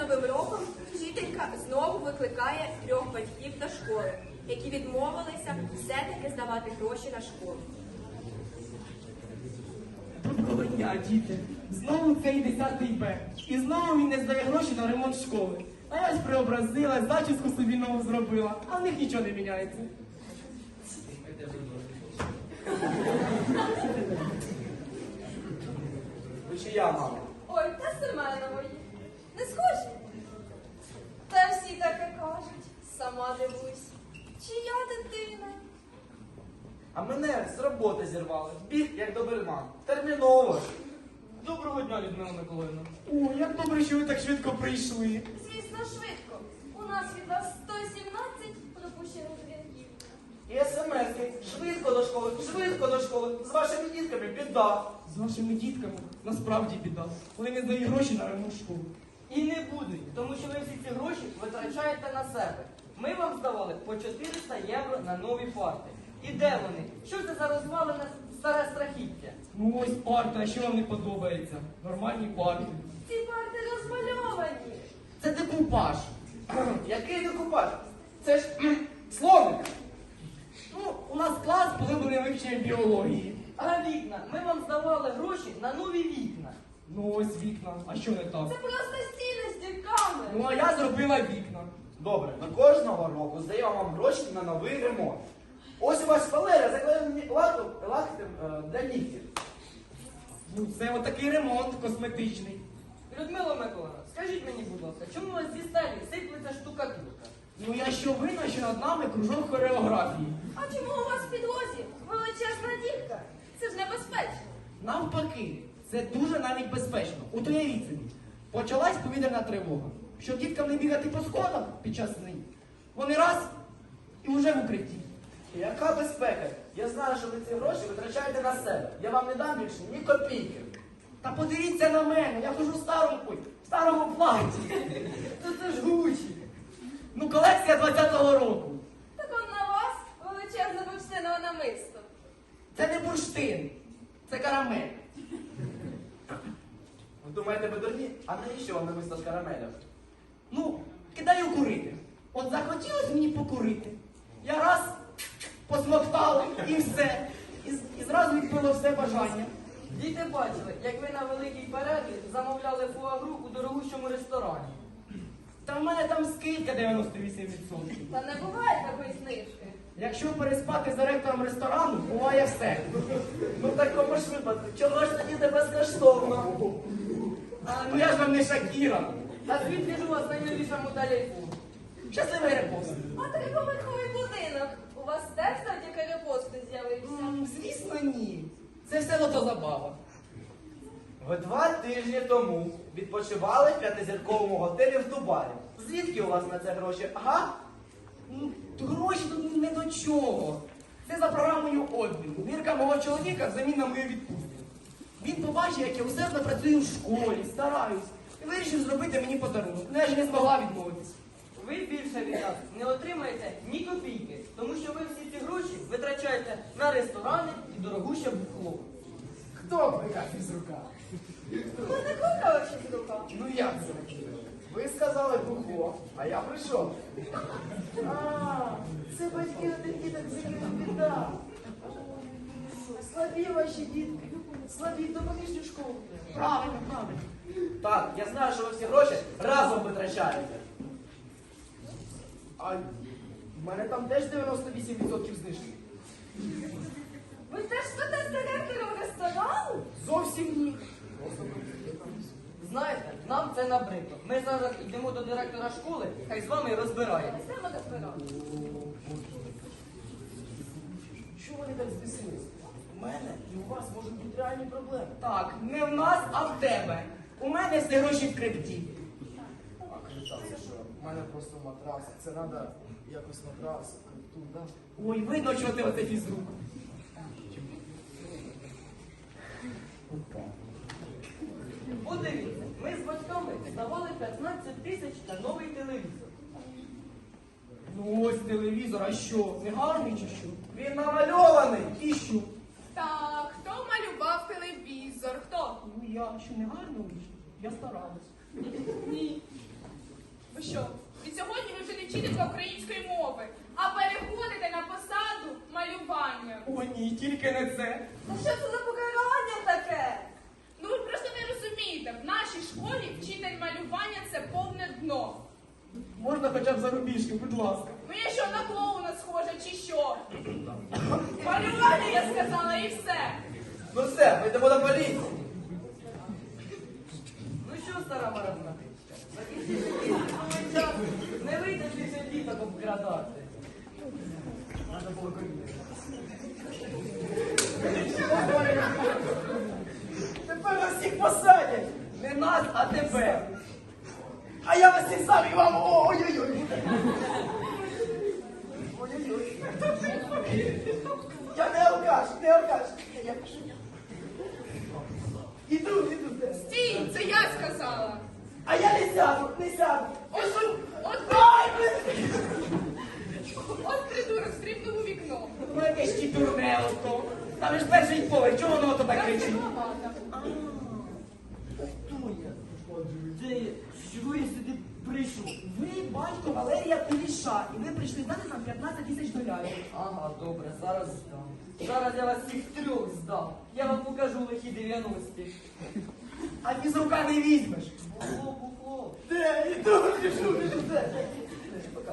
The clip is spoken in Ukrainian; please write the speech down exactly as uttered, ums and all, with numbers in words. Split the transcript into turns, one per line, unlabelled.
новим роком вчителька знову викликає трьох батьків до школи, які відмовилися все-таки здавати гроші на школу.
Доброго дня, діти. Знову цей десятий Б. І знову він не здає гроші на ремонт школи. А я ж преобразила, зачіску собі нову зробила, а в них нічого не міняється.
Ви чия, мама?
Ой, та Семенової. Не схожі? Та всі таке кажуть. Сама дивусь. Чия дитина?
А мене з роботи зірвали. Біг, як доберман. Терміново ж. Доброго дня, Людмила Миколаївна.
О, як добре, що ви так швидко прийшли.
Звісно, швидко. У нас від вас сто сімнадцять пропущених дзвінків.
І смс-ки. Швидко до школи, швидко до школи. З вашими дітками біда.
З вашими дітками насправді біда. Вони не здають гроші на ремонт школи.
І не будуть, тому що ви всі ці гроші витрачаєте на себе. Ми вам здавали по чотириста євро на нові парти. І де вони? Що це за розвалене старе страхіття?
Ну ось парта, а що вам не подобається? Нормальні парти.
Ці парти розмальовані.
Це декупаж.
Який декупаж? Це ж кхм, словник.
Ну, у нас клас поглиблений вивченням біології.
А вікна? Ми вам здавали гроші на нові вікна.
Ну ось вікна. А що не так?
Це просто стіни з дірками.
Ну а я зробила вікна.
Добре, ми кожного року здаємо вам гроші на новий ремонт. Ось у вас шпалери заклеєні лаком, лактем е, для нігтів.
Ну це отакий ремонт косметичний.
Людмила Миколаївна, скажіть мені, будь ласка, чому у вас зі стелі сиплеться штукатурка?
Ну я що винна, що над нами кружок хореографії.
А чому у вас в підлозі величезна дірка? Це ж небезпечно.
Навпаки, це дуже навіть безпечно. От уявіть собі, почалась повітряна тривога. Щоб діткам не бігати по сходах під час сни. Вони раз і вже в укритті.
Яка безпека? Я знаю, що ви ці гроші витрачаєте на себе. Я вам не дам більше ні копійки.
Та подивіться на мене, я хожу в старому, ой, в старому платі.
Та це ж Гучі.
Ну, колекція двадцятого року.
Так он на вас величезне бурштинове намисто.
Це не бурштин, це карамель.
Ви думаєте, ви дурні? А навіщо вам намисто з карамеля?
Ну, кидаю курити. От захотілося мені покурити. Я раз посмоктала і все. І, з- і зразу відбило все бажання.
Діти бачили, як ви на великій перерві замовляли фуагру у дорогущому ресторані.
Та в мене там скидка дев'яносто вісім відсотків.
Та не буває такої знижки.
Якщо переспати з директором ресторану, буває все.
Ну в такому ж випадку, чого ж тоді не безкоштовно?
А, ну я ж вам не Шакіра.
А звідки ж у вас найновіша модель айфону?
Щасливий репост.
А триповерховий будинок. У вас теж завдяки репосту з'явився.
М, Звісно, ні. Це все лото забава.
Ви два тижні тому відпочивали в п'ятизірковому готелі в Дубаї. Звідки у вас на це гроші? Ага?
Ну, гроші тут не до чого. Це за програмою обміну. Вірка мого чоловіка взамін на мою відпустку. Він побачив, як я усердно працюю в школі, стараюсь. І вирішив зробити мені подарунок. Ну, я ж не змогла відмовитись.
Ви більше від нас не отримаєте ні копійки, тому що ви всі ці гроші витрачаєте на ресторани і дорогуще бухло.
Хто кликав із рука?
Ви не кликали щось рука?
Ну як це?
Ви сказали бухло, а я прийшов. А, це батьки один діток, з якими біда. Слабі ваші дітки, слабі, допоміжні школу.
Правильно, правильно.
Так, я знаю, що ви всі гроші разом витрачаєте. А в мене там теж дев'яносто вісім відсотків знижки.
Ви теж спите з директором ресторану?
Зовсім ні.
Знаєте, нам це набридло. Ми зараз йдемо до директора школи, хай з вами і розбирається.
Не треба розбирати.
Чого вони так збісились? У мене і у вас можуть бути реальні проблеми.
Так, не в нас, а в тебе. У мене всі гроші в крипті.
А крита, це що? У мене просто матрас. Це треба якось матрас, крипту, да?
Ой, видно, що ти оце фізрук.
Подивіться, ми з батьками здавали п'ятнадцять тисяч на новий телевізор.
Ну ось телевізор, а що? Не гарний чи що?
Він намальований.
І що?
Так, хто малював телевізор? Хто?
Ну я що не гарно вийшло? Я старалась.
Ні.
Ви що? Від сьогодні ви вже не вчителька української мови, а переходите на посаду малювання.
О, ні, тільки не це.
Та що це за покарання таке?
Ну ви просто не розумієте, в нашій школі вчитель малювання це повне дно.
Можна хоча б зарубіжки, будь ласка.
Ну я що, на клоуна схожа чи що? Малювання я сказала і все.
Ну все, ми йдемо до поліції.
Ну що, стара маразна? Закінчився кінцевий час. Не вийдеш більше діток обкрадати.
Треба було коріння. Тепер нас всіх посадять. Не нас, а тебе. А я вас всіх сам і вам. Ой-ой-ой. Ой-ой-ой. Я не алкаш, не алкаш. Я пишу. Іду, іду.
Стій, це я сказала.
А я не сяду, не сяду.
От, от,
Ай, блин.
от придурок стрибнув у вікно.
Ну якесь чітурне ото. Там ж перший поверх, чого воно тебе
Я
кричить?
виновата.
Хто я?
Де я? Чого я сюди прийшов?
Ви батько Валерія Куліша, і ви прийшли здати нам п'ятнадцять тисяч доларів.
Ага, добре, зараз здам. Зараз я вас всіх трьох здам. Я вам покажу лихі дев'яності.
А фізрука не візьмеш.
Бухло, бухло.
Де? Іду, біжу, біжу, де?